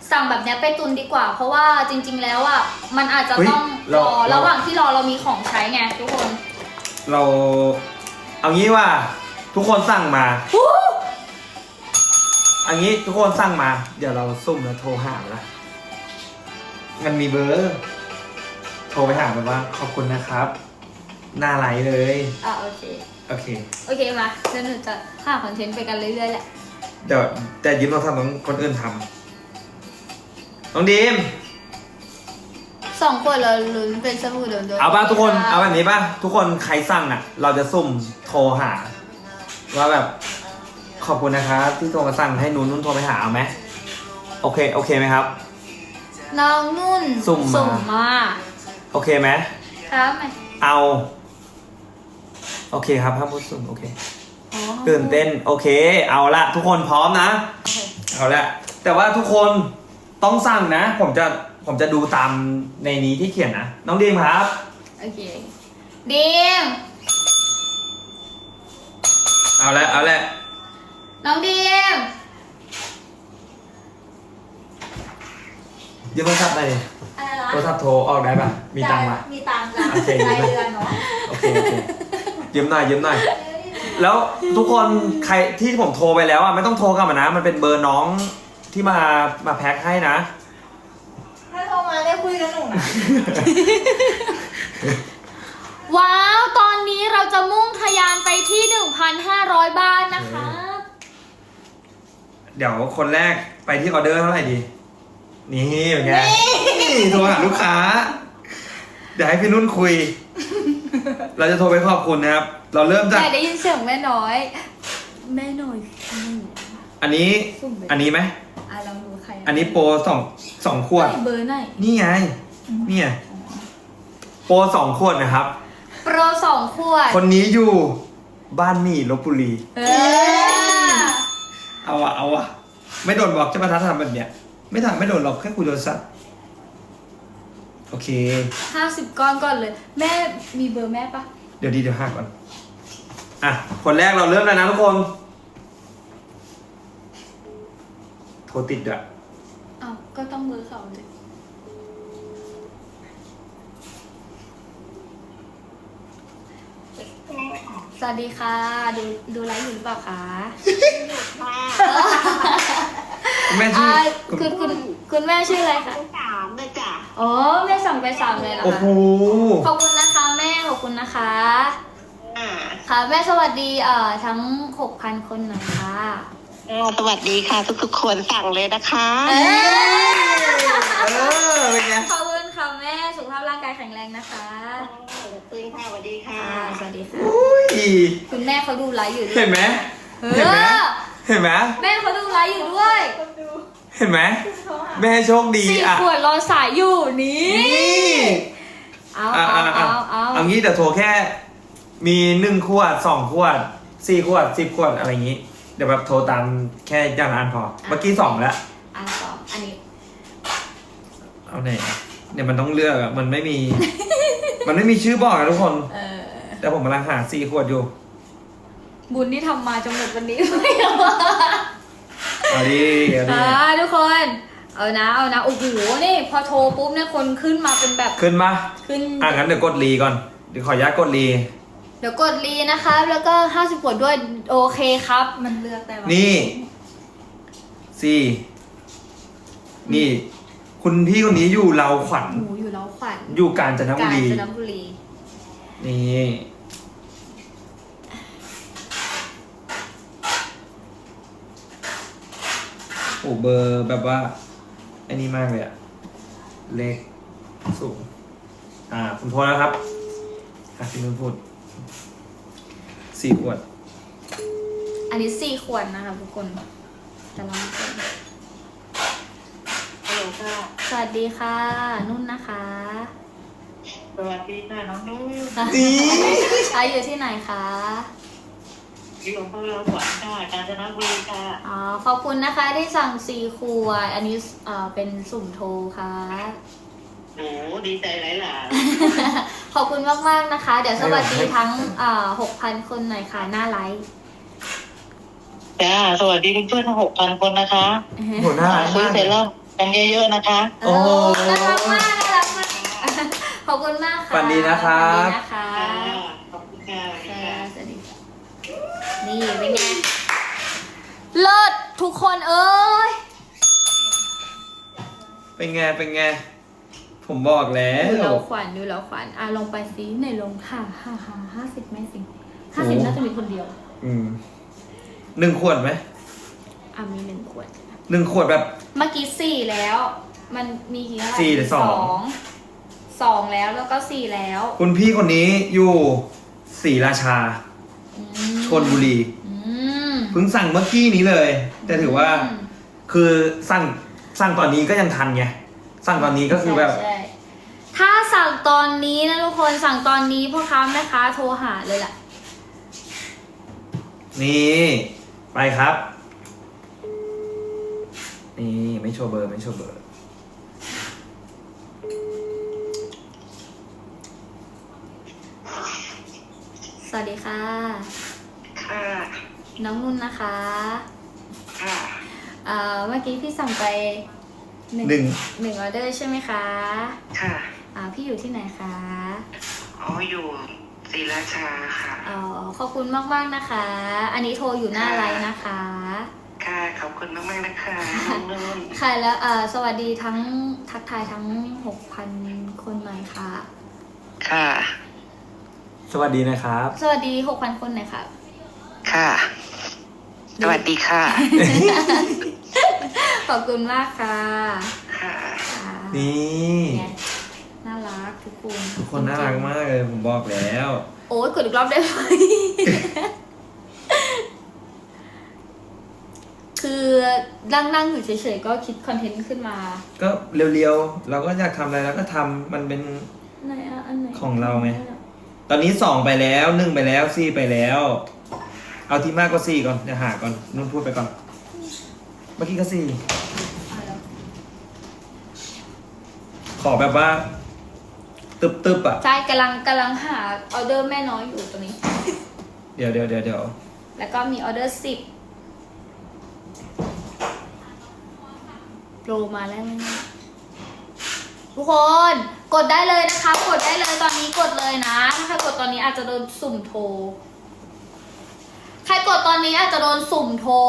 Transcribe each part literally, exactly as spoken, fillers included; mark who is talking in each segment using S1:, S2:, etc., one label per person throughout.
S1: สั่งแบบนี้ไปตุนดีกว่า เพราะว่าจริงๆแล้วอ่ะมันอาจจะต้องรอระหว่างที่รอเรามีของใช้ไงทุกคน
S2: เราเอางี้ว่าทุกคนสั่งมาอันนี้ทุกคนสั่งมาเดี๋ยวเราซุ่มแล้วโทรหาละมันมีเบอร์โทรไปหาแบบว่าขอบคุณนะครับหน้าไหลเลย
S1: อ่ะโอเค
S2: โอเค
S1: โอเคมาเดี๋ยวหนูจะหาคอนเทนต์ไปกันเรื่อยๆแหละ
S2: เดี๋ยวแต่ยิ้มเราทำต้องคนอื่นทำน้องดีม
S1: สองคนเราลุ้นเป็นสมุดเดิมๆ
S2: เอาป่ะทุกคนเอาแบบนี้ป่ะทุกคนใครสั่งอ่ะเราจะซุ่มโทรหาว่าแบบขอบคุณนะครับที่โทรมาสั่งให้นุ่นนุ่นโทรไปหาเอาไหมโอเคโอเคไหมครับ
S1: น้องนุ่น
S2: สุ่มมา
S1: มา
S2: โอเคไหม
S1: ครับไหม
S2: เอาโอเคครับห้ามพูดสุ่มโอเคตื่นเต้นโอเคเอาละทุกคนพร้อมนะเอาละแต่ว่าทุกคนต้องสั่งนะผมจะผมจะดูตามในนี้ที่เขียนนะน้องดีมครับ
S1: โอเคดีม
S2: เอาละเอาละ
S1: น้องดีม
S2: ยืมโทรศัพท์หน่อยโทรศัพท์โทรออกได้ป่ะมีตังค์ป่ะ
S1: มีตังค์จ้ะรายเดือนเนาะ
S2: โอเคโอเคยืมหน่อยยืมหน่อยแล้วทุกคนใครที่ผมโทรไปแล้วอ่ะไม่ต้องโทรกลับมานะมันเป็นเบอร์น้องที่มามาแพ็คให้นะ
S3: ถ้าโทรมาได้คุยกับหนูนะ
S1: ว้าวตอนนี้เราจะมุ่งทะยานไปที่ หนึ่งพันห้าร้อย บ้านนะคะ
S2: เดี๋ยวคนแรกไปที่ออเดอร์เท่าไหร่ดีนี่เป็นไงโทรหาลูกค้าเดี๋ยวให้พี่นุ่นคุยเราจะโทรไปขอบคุณนะครับเราเริ่มจาก
S1: ได้ยินเสียงแม่น้อยแม่น้อย
S2: อันนี้อันนี้ไหม
S1: อ่ะลองดูใคร
S2: อันนี้โปรสองสองขวด
S1: เบอร์ไหน
S2: นี่ไงนี่ไงโปรสองขวดนะครับ
S1: โปรสองขวด
S2: คนนี้อยู่บ้านหมี่ลพบุรี
S1: เออ
S2: เอาอะเอาอะไม่โดนบอกจะมาท้าทำแบบเนี้ยไม่ทำไม่โดนหรอกแค่คุยโทรศัพท์โอเค
S1: ห้าสิบก้อนก่อนเลยแม่มีเบอร์แม่ปะ
S2: เดี๋ยวดีเดี๋ยวห้าก่อนอ่ะคนแรกเราเริ่มแล้วนะทุกคนโทรติดด้วย
S1: อ้าวก็ต้องเบอร์เขาเลยสวัสดีค่ะดูดูไลฟ์อยู่หรือเปล่าคะ
S2: แม่ชื่อ
S1: คุณคุณคุณแม่ชื่ออะไรคะ
S3: สามเลยจ้ะ
S1: อ๋อแม่สั่งไปสามเลยเหรอคะ
S2: โอ้โห
S1: ขอบคุณนะคะแม่ขอบคุณนะคะค่ะแม่สวัสดีเอ่อทั้งหกพันคนหน่อยค่ะ
S3: สวัสดีค่ะทุกๆคนสั่งเลยนะคะ
S1: เอ
S2: อเป็นไง
S1: ขอบคุณค่ะแม่สุขภาพร่างกายแข็งแรงนะคะ
S3: ขอบคุณค่ะสวัสดีค่ะ
S1: สวัสดีค่ะ
S2: คุณ
S1: แม่เขาดูไลฟ์อยู่ด้วย
S2: เห็นไหมเห็นไหมเห็นไหม
S1: แม่เขาดูไลฟ์อยู่ด้วย
S2: เห็นไหมแม่โชคดี
S1: สี่ขวดรอสายอยู่นี่เอาเอาเอาเอา
S2: เอางี้เดี๋ยวโทรแค่มีหนึ่งขวดสองขวดสี่ขวดสิบขวดอะไรอย่างงี้เดี๋ยวแบบโทรตามแค่อย่างอันพอเมื่อกี้สองแล้ว
S1: อันสองอันนี้
S2: เอาไหนเนี่ยมันต้องเลือกอะมันไม่มีมันไม่มีชื่อบอกนะทุกคนแต่ผมกำลังหาสี่ขวดอยู่
S1: บุญที่ทำมาจนหมดวันนี้
S2: เอาดิเอาดิ
S1: ทุกคนเอานะเอานะโอ้โหนี่พอโทรปุ๊บเนี่ยคนขึ้นมาเป็นแบบ
S2: ขึ้นมา
S1: ขึ้น
S2: อ่ะงั้นเดี๋ยวกดรีก่อนเดี๋ยวขออนุญาตกดรี
S1: เดี๋ยวกดรีนะคะแล้วก็ห้าสิบขวดด้วยโอเคครับมันเลือกแต่ว่า
S2: นี่สี่นี่คุณพี่คนนี้อยู่เราขวัญ
S1: อยู่เราขวัญ
S2: อยู่กาญจนบุรี
S1: กาญจนบุรี
S2: นี่โอ้เบอร์แบบว่าไอ้นี่มากเลยอะเลขสูงอ่าคุณโทษนะครับอ่ะพี่นุ่นพูดสี่ขวด
S1: อันนี้สี่ขวดนะคะทุกคนจะลองดูสวัสดีค่ะนุ่นนะคะ
S3: สวัสดีค่ะน้องนุ่น
S2: ดี
S1: อาอยู่ที่ไหนคะ
S3: อยู่อำเภอเราขวัญค่ะกาญจนบุรีค่ะ
S1: อ๋อขอบคุณนะคะที่สั่งสี่ขวดอันนี้เอ่อเป็นสุ่มโทรค่ะ
S3: โอ้ดีใจหลายหลาย
S1: ขอบคุณมากๆนะคะเดี๋ยวสวัสดีทั้งเอ่อหกพันคนหน่อยค่ะหน้าไลฟ์
S3: จ้าสวัสดีเพื่อนๆทั้งหกพันคนนะคะ
S2: หัวหน้า
S3: ซื้อเสร็จแล้วกันเยอะๆนะคะ
S1: เออน่ารักมากน่ารักมากขอบคุณมากค่ะ
S2: ฝันดีนะครับ
S1: ฝันดีนะคะ
S3: ขอบคุณค่ะ
S1: ค่ะสวัสดีค่ะนี่เป็นไงเลิศทุกคนเอ้ย
S2: เป็นไงเป็นไง ผมบอกแล้
S1: ดู
S2: ว
S1: เราขวัญดูเราขวัญอ่ะลงไปซิไหนลงค่ะห้าห้าห้าสิบไหมสิห้าสิบ
S2: โอ้
S1: น่าจะมีคนเดียว
S2: อืมหนึ่งขวดไหม
S1: อ่ะมีหนึ่งขวด
S2: หนึ่งขวดแบบ
S1: เมื่อกี้สี่แล้ว มันมีกี่อะไร
S2: สี่หรือสอง
S1: งสองแล้วแล้วก็สี่แล้ว
S2: คุณพี่คนนี้อยู่ศรีราชา
S1: อืม
S2: ชลบุรี
S1: อืม
S2: เพิ่งสั่งเมื่อกี้นี้เลย แต่ถือว่า
S1: อืม
S2: คือสั่งสั่งตอนนี้ก็ยังทันไง สั่งตอนนี้ก็คือแบบ
S1: ใช่ใช่ถ้าสั่งตอนนี้นะทุกคนสั่งตอนนี้พ่อค้าแม่ค้าโทรหาเลยล่ะ
S2: นี่ ไปครับ นี่ไม่โชว์เบอร์ไม่โชว์เบอร์
S1: สวัสดีค่ะ
S3: ค่ะ
S1: น้องนุ่นนะคะ
S3: ค่ะ
S1: เอ่อเมื่อกี้พี่สั่งไปหนึ่ง
S2: หนึ่ง
S1: หนึ่งออเดอร์ใช่ไหมคะ
S3: ค่ะ
S1: อ่าพี่อยู่ที่ไหนคะ
S3: อ๋ออยู่ศรีราชาค่ะ
S1: อ๋อขอบคุณมากๆนะคะ อันนี้โทรอยู่หน้าไลน์นะคะ
S3: ค่ะ ขอบคุณมากๆนะคะน้องนุ่น
S1: ค่ะแล้วเอ่อสวัสดีทั้งทักทายทั้งหกพันคนหน่อยค่ะ
S3: ค่ะ
S2: สวัสดีนะครับ
S1: สวัสดีหกพันคนหน่อยค่ะ
S3: ค่ะ สวัสดีค่ะ
S1: ขอบคุณมากค่ะ
S3: ค่ะ
S1: ค่ะ
S2: นี่
S1: ไงน่ารักทุกคน
S2: ทุกคนน่ารักมากเลย ผมบอกแล้ว
S1: โอ้ยกดอีกรอบได้ไหม คือนั่งนั่งอยู่เฉยๆก็คิดคอนเทนต์ขึ้นมา
S2: ก็เร็วๆ เราก็อยากทำอะไรเราก็ทำมันเป็น
S1: ไหนอะอันไหน
S2: ของเราไง ตอนนี้สองไปแล้วหนึ่งไปแล้วสี่ไปแล้ว เอาที่มากกว่าสี่ก่อนจะหาก่อนนุ่นพูดไปก่อน เมื่อกี้ก็สี่
S1: อ่ะแล้ว
S2: ขอแบบว่า ตึบตึบๆอ่ะ
S1: ใช่กำลังกำลังหาออเดอร์แม่น้อยอยู่ตรงนี้
S2: เดี๋ยวเดี๋ยวเดี๋ยวเดี๋ยว
S1: แล้วก็มีออเดอร์สิบโปรมาแล้วทุกคนกดได้เลยนะคะ กดได้เลยตอนนี้กดเลยนะ ถ้าใครกดตอนนี้อาจจะโดนสุ่มโทร ใครกดตอนนี้อาจจะโดนสุ่มโทร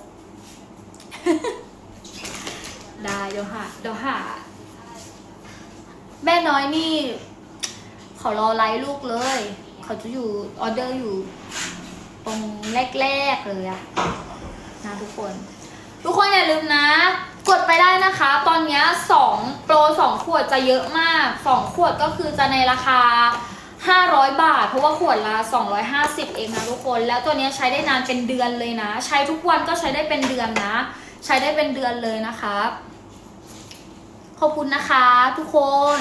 S1: ได้เดี๋ยวหาเดี๋ยวหา แม่น้อยนี่เขารอไลฟ์ลูกเลย เขาจะอยู่ออเดอร์อยู่ ตรงแรกๆเลยอะนะทุกคน ทุกคนอย่าลืมนะ กดไปได้นะคะ ตอนนี้สองโปรสองขวดจะเยอะมากสองขวดก็คือจะในราคาห้าร้อยบาท เพราะว่าขวดละสองร้อยห้าสิบเองนะทุกคนแล้วตัวนี้ใช้ได้นานเป็นเดือนเลยนะ ใช้ทุกวันก็ใช้ได้เป็นเดือนนะ ใช้ได้เป็นเดือนเลยนะคะขอบคุณนะคะทุกคน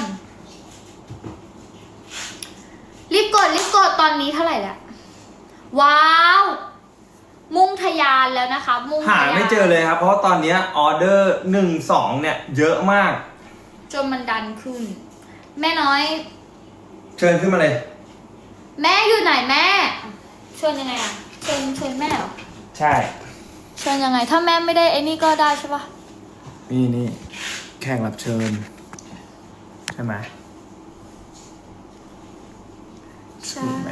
S1: รีบกดรีบกดตอนนี้เท่าไหร่แล้วว้าวมุ่งทะยานแล้วนะคะมุ่ง
S2: หา
S1: ทะยาน
S2: ไม่เจอเลยครับ เพราะว่าตอนเนี้ยออเดอร์หนึ่งสองเนี่ย เยอะมาก
S1: จนมันดันขึ้น แม่น้อย
S2: เชิญขึ้นมาเลย
S1: แม่อยู่ไหนแม่เชิญยังไงอะเชิญเชิญแม่เหรอ
S2: ใช่
S1: เชิญยังไง ถ้าแม่ไม่ได้ไอ้นี่ก็ได้ใช่ปะ
S2: นี่นี่แขกรับเชิญ ใช่ไหม
S1: ใช่
S2: แม่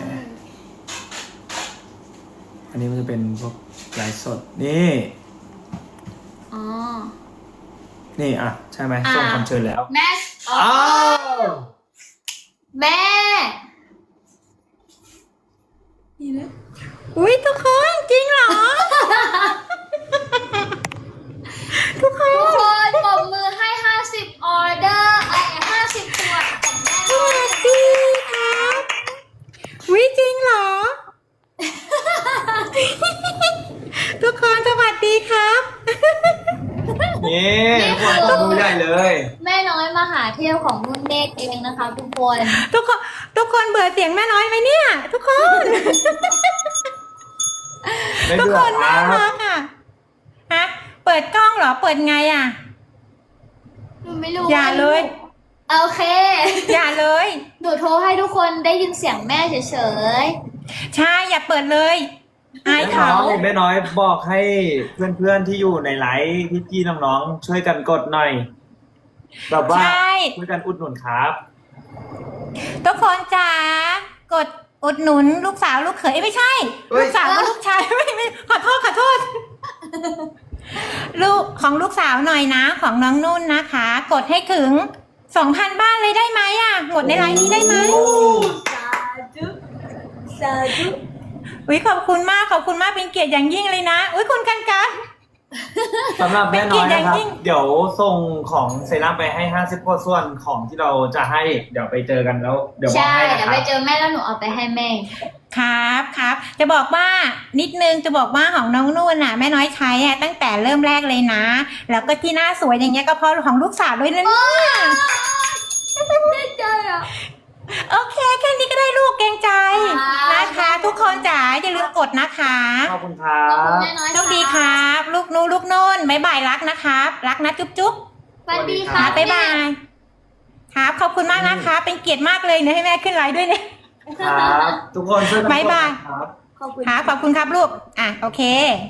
S2: อันนี้มันจะเป็นพวกไลฟ์สด นี่
S1: อ๋อ
S2: นี่อ่ะ ใช่ไหม
S1: อ่า
S2: ส่งคำเชิญแล้ว
S1: แม่อ๋อ
S2: อ้าว
S1: แม่นี่นะอุ้ยทุกคนจริงเหรอ ทุกคนทุกคนปรบมือให้ห้าสิบออเดอร์ไอ้ห้าสิบขวดของแม่
S4: สวัสดีครับวิจริงเหรอ ทุกคนสวัสดีครับ
S2: นี่ทุกคนต้องดูใหญ่เลย
S1: แม่น้อยมหาเที่ยวของนุ่นเนตรเองนะคะทุกคน
S4: ทุกคนทุกคนเบื่อเสียงแม่น้อยไหมเนี่ย ทุกคน
S2: ไม่
S4: ทุก
S2: เบื่
S4: ค
S2: อน ค
S4: น่า
S2: รั
S4: รับ กอ่ะฮะเปิดกล้องเหรอเปิดไงอ่ะ
S1: หนูไม่รู้
S4: อย่าเลย
S1: โอเค
S4: อย่าเลย
S1: หนูโทรให้ทุกคนได้ยินเสียงแม่เฉย
S4: ใช่อย่าเปิดเลยอาย
S2: แม่น้
S4: เขา
S2: อยแม่น้อยบอกให้เพื่อนๆที่อยู่ในไลฟ์พี่ๆน้องๆช่วยกันกดหน่อยแบบว่า
S4: ใช่
S2: ช่วยกันอุดหนุนครับ
S4: ทุกคนจ๋ากดอุดหนุนลูกสาวลูกเขยเอ้ยไม่ใช่
S2: เฮ้ย
S4: ลูกสาวกับลูกชาย ไม่ไม่ขอโทษขอโทษ ลูกของลูกสาวหน่อยนะ ของน้องนุ่นนะคะ กดให้ถึงสองพันบ้านเลยได้ไหมอ่ะหมดในไลน์นี้ได้ไหม
S1: สาธุสาธุ
S4: อุ้ยขอบคุณมากขอบคุณมากเป็นเกียรติอย่างยิ่งเลยนะอุ้ยคุณกันกัน
S2: สำหรับแม่น้อยนะครับ
S4: เป็นเกียรติอย่างยิ่ง
S2: เดี๋ยวส่งของเซรั่มไปให้ห้าสิบกว่าส่วนของที่เราจะให้เดี๋ยวไปเจอกันแล้วเดี๋ยวบอก
S1: ใช่
S2: ให้นะ
S1: เดี๋ยว
S2: ค
S1: ไป
S2: รับ
S1: เจอแม่แล้วหนูเอาไปให้แม่
S4: ครับครับจะบอกว่านิดนึงจะบอกว่าของน้องนุ่นน่ะแม่น้อยใช้อ่ะตั้งแต่เริ่มแรกเลยนะ แล้วก็ที่หน้าสวยอย่างเงี้ยก็เพราะของลูกสาวด้วยนะเนี่ย
S1: ได้ใจอ่ะ
S4: โอเคแค่นี้ก็ได้ลูกเกรงใจ
S1: ครับ
S4: นะคะ ทุกคนจ๋าอย่าลืมกดนะคะ
S2: ขอบคุณครั
S1: ขอบคุณ
S2: บ
S1: แม่น้อย
S4: โชคดีครับ ลูกนูลูกนุ่นบ๊ายบายรักนะครับ รักนะจุ๊บจุ๊บ
S1: สวัสดี
S2: ค
S1: ค
S2: รั
S1: รับ
S4: บ๊ายบายครับขอบคุณมากนะคะ เป็นเกียรติมากเลยเนะให้แม่ขึ้นไลน์ด้วยเนี่ย
S2: ครับทุกคนช่วยกันกด
S4: บ๊ายบาย
S2: นะครับ
S1: ขอบคุณ
S4: ครับขอบคุณครับลูกอ่ะโอเค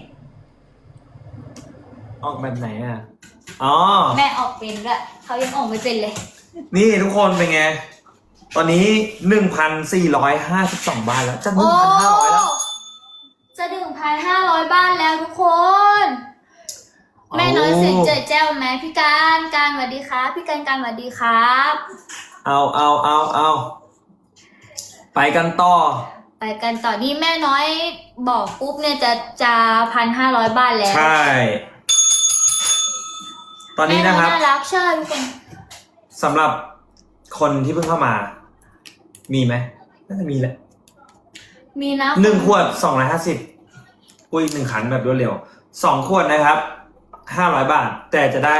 S2: ออกแบบไหนอ่ะอ๋อ
S1: แม่ออกเป็นด้วยเขายังออกไม่เป็นเลย
S2: นี่ทุกคนเป็นไง ตอนนี้หนึ่งพันสี่ร้อยห้าสิบสองบ้านแล้วจะหนึ่
S1: โอ้
S2: งพันห้าร้อยแล้ว
S1: จะหนึ่งพันห้าร้อยบ้านแล้วทุกคน แม่น้อยเสียงเจ๋อแจ้วไหมพี่การการสวัสดีครับพี่การการสวัสดีครับ
S2: เอาเอาเอาเอาไปกันต่อ
S1: ไปกันต่อนี่แม่น้อยบอกปุ๊บเนี่ยจะจะพันห้าร้อยบ้านแล้ว
S2: ใช่ ตอนนี้นะครับ
S1: แม่อยน่ารักใช่ทุกคน
S2: สำหรับคนที่เพิ่งเข้ามา มีไหมน่าจะมีแหละ
S1: มีนะ
S2: หนึ่งขวดสองร้อยห้าสิบอุ้ยหนึ่งขันแบบรวดเร็วสองขวดนะครับห้าร้อยบาท แต่จะได้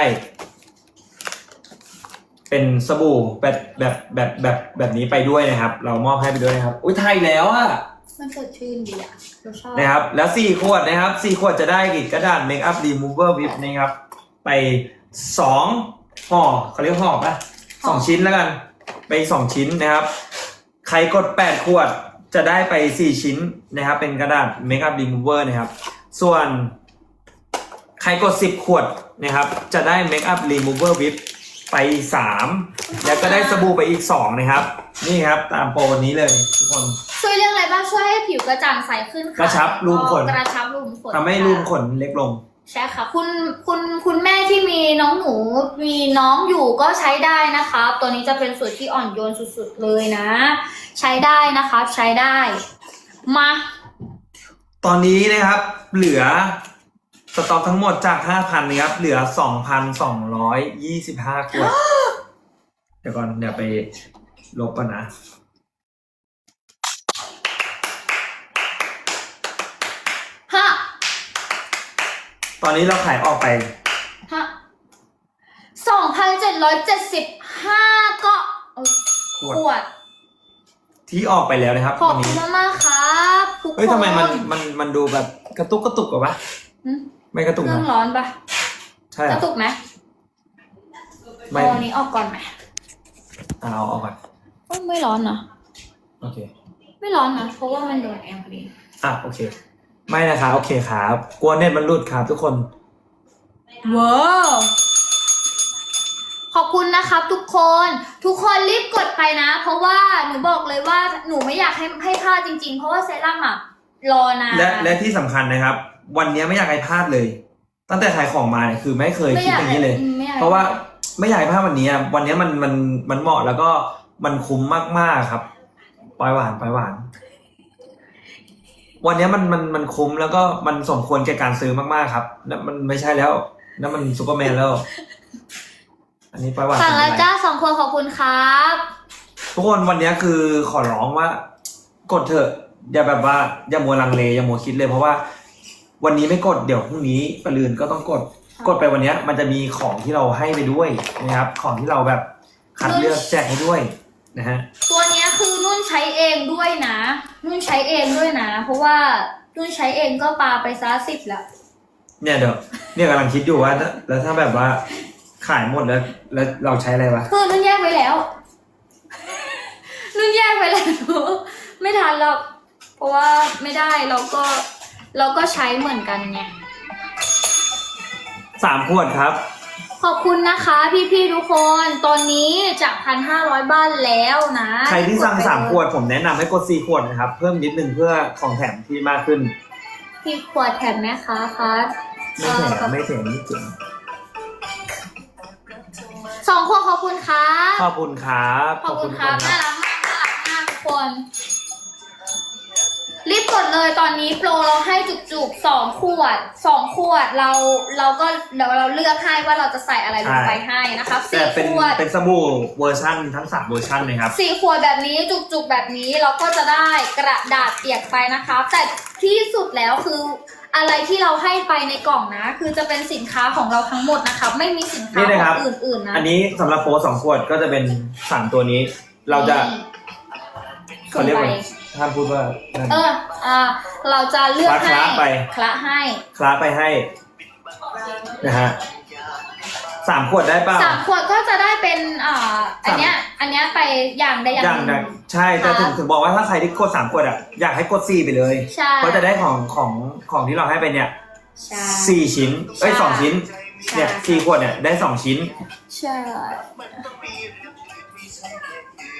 S2: เป็นสบู่แบบแบบแบบแบบแบบนี้ไปด้วยนะครับ เรามอบให้ไปด้วยนะครับ อุ้ยไทยแล้วอะ
S1: มันสดชื่นดีอ่ะเราชอบ
S2: นะครับ แล้วสี่ขวดนะครับสี่ขวดจะได้กระดาษเมคอัพรีมูเวอร์วิปนะครับ ไปสองห่อเขาเรียกห่อปะสองชิ้นแล้วกัน ไปสองชิ้นนะครับ ใครกดแปดขวดจะได้ไปสี่ชิ้นนะครับ เป็นกระดาษเมคอัพรีมูเวอร์นะครับ ส่วนใครกดสิบขวดนะครับ จะได้เมคอัพรีมูเวอร์วิปไปสามแล้วก็ได้สบู่ไปอีกสองนะครับ นี่ครับตามโปรวันนี้เลยทุกคน
S1: ช่วยเรื่องอะไรบ้างช่วยให้ผิวกระจ่างใสขึ้นค่ะ
S2: กระชับรูขุมขน
S1: กระชับรูขุมขน
S2: ทำให้รูขุมขนเล็กลง
S1: ใช่ค่ะ คุณคุณคุณแม่ที่มีน้องหนูมีน้องอยู่ก็ใช้ได้นะคะตัวนี้จะเป็นสูตรที่อ่อนโยนสุดๆเลยนะ ใช้ได้นะคะใช้ได้มา
S2: ตอนนี้นะครับเหลือสต็อกทั้งหมดจาก ห้าพัน นะครับเหลือ สองพันสองร้อยยี่สิบห้า ขวด เดี๋ยวก่อนเดี๋ยวไปลบก่อนนะ
S1: ฮะ
S2: ตอนนี้เราขายออกไป
S1: ฮะสองพันเจ็ดร้อยเจ็ดสิบห้าก็เอ้ย
S2: ขวด
S1: ขวด
S2: ที่ออกไปแล้วนะครับ
S1: ขอบ
S2: วัน
S1: คุ
S2: นี้
S1: ณมากๆครับทุกคน
S2: เฮ้ยทำไมมันมันมันดูแบบกระตุกกระตุกกว่าปะ
S1: หึ
S2: ไม่กระตุก
S1: เครื่อง
S2: นะ
S1: ร้อนปะ
S2: ใช่
S1: ก
S2: เหร
S1: ระ
S2: อ
S1: ตุกไหม
S2: ไม่
S1: เอาอันนี้ออกก่อนไหม
S2: เอาเอาเอาก่อน
S1: โอ้ยไม่ร้อนนะ
S2: โอเค
S1: ไม่ร้อนนะเพราะว่ามันโดนแอร์พอดี
S2: อ่ะโอเค ไม่นะครับโอเคครับกลัวเน็ตมันหลุดครับทุกคน
S1: ว้าวขอบคุณนะครับทุกคน ทุกคนรีบกดไปนะ เพราะว่าหนูบอกเลยว่าหนูไม่อยากให้ให้พลาดจริงๆ เพราะว่าเซรั่มอะรอนาน
S2: และและที่สำคัญนะครับ วันนี้ไม่อยากให้พลาดเลย ตั้งแต่ขายของมาเนี่ยคือไม่เคย
S1: ไม่
S2: คิด
S1: อยาก
S2: อย่างนี้เลย
S1: ไม่อยก
S2: เพราะว่าไม่อยากให้พลาดวันนี้อะวันนี้มันมันมันเหมาะแล้วก็มันคุ้มมากๆครับปลอยหวานปลอยหวาน วันนี้มันมันมันคุ้มแล้วก็มันสมควรแก่การซื้อมากๆครับนั่นมันไม่ใช่แล้วนั่นมันซูเปอร์แมนแล้ว อันนี้ปลอยหวาน
S1: สั่งแล้ว
S2: เป็นไร
S1: จ้าสองคนขอบคุณครับ
S2: ทุกคนวันนี้คือขอร้องว่ากดเถอะอย่าแบบว่าอย่ามัวลังเลอย่ามัวคิดเลยเพราะว่า วันนี้ไม่กดเดี๋ยวพรุ่งนี้ปรืนก็ต้องกด กดไปวันนี้มันจะมีของที่เราให้ไปด้วยนะครับ ของที่เราแบบคัดเลือกแจกให้ด้วยนะฮะ
S1: ตัวเนี้ยคือนุ่นใช้เองด้วยนะ นุ่นใช้เองด้วยนะ เพราะว่านุ่นใช้เองก็ปาไปซะสิบแล้ว
S2: เนี่ยเดี๋ยวเนี่ยกำลังคิดอยู่ว่าถ้าแล้วถ้าแบบว่าขายหมดแล้วแล้วเราใช้อะไรวะ
S1: คือนุ่นแยกไว้แล้ว นุ่นแยกไว้แล้ว ไม่ทันหรอกเพราะว่าไม่ได้เราก็เราก็ใช้เหมือนกันไง
S2: สามขวดครับ
S1: ขอบคุณนะคะพี่ๆทุกคน ตอนนี้จากพันห้าร้อยบ้านแล้วนะ
S2: ใครที่สั่งสามขวดผมแนะนำให้กดสี่ขวดนะครับ เพิ่มนิดนึงเพื่อของแถมที่มากขึ้น
S1: พี่ขวดแถมไหมคะคะ
S2: ไม่แถมไม่แถมไม่เจ๋ง
S1: สองขวดขอบคุณครับ
S2: ขอบคุณครับ
S1: ขอบคุณครับ
S2: ทุก
S1: น่ารักมากน่ารักมากทุกคน รีบกดเลยตอนนี้โปรเราให้จุกๆสองขวดสองขวดเราเราก็เดี๋ยวเราเลือกให้ว่าเราจะใส่อะไรลงไปให้นะครับ
S2: แต่
S1: สี่
S2: เป็น
S1: ขวด
S2: เป็นสบู่เวอร์ชันทั้งสามเวอร์ชันเลยครับ
S1: สี่ขวดแบบนี้จุกๆแบบนี้เราก็จะได้กระดาษเปียกไปนะคะแต่ที่สุดแล้วคืออะไรที่เราให้ไปในกล่องนะ คือจะเป็นสินค้าของเราทั้งหมดนะคะไม่มีสินค้า
S2: นี่นะ
S1: ข
S2: ครั
S1: อบ งอื่นๆนะ
S2: อันนี้สำหรับโปรสองขวดก็จะเป็นสามตัวนี้ เราจะ เขาเรียกว่าห้ามพูดว่านั่น
S1: เอออ่าเราจะเลือกให้
S2: คละไป
S1: คละให้
S2: คล้าไปให้นะฮะสามขวดได้เปล่า
S1: สามขวดก็จะได้เป็นอ่าอันเนี้ยอันเนี้ยไปอย่างใดอย่าง
S2: อย่าง
S1: ห
S2: นั้
S1: นึ่
S2: น
S1: ง
S2: ใช่แต่ถึงถึงบอกว่าถ้าใครที่กดสามขวดอ่ะอยากให้กดสี่ไปเลย
S1: ใช่
S2: เพราะจะได้ของของของที่เราให้ไปเนี่ย
S1: ใช่
S2: สี่ชิ้นเอ้ย
S1: ใช่
S2: สองชิ้น
S1: ใช่
S2: เนี่ยสี่ขวดเนี่ยได้สองชิ้น
S1: ใช่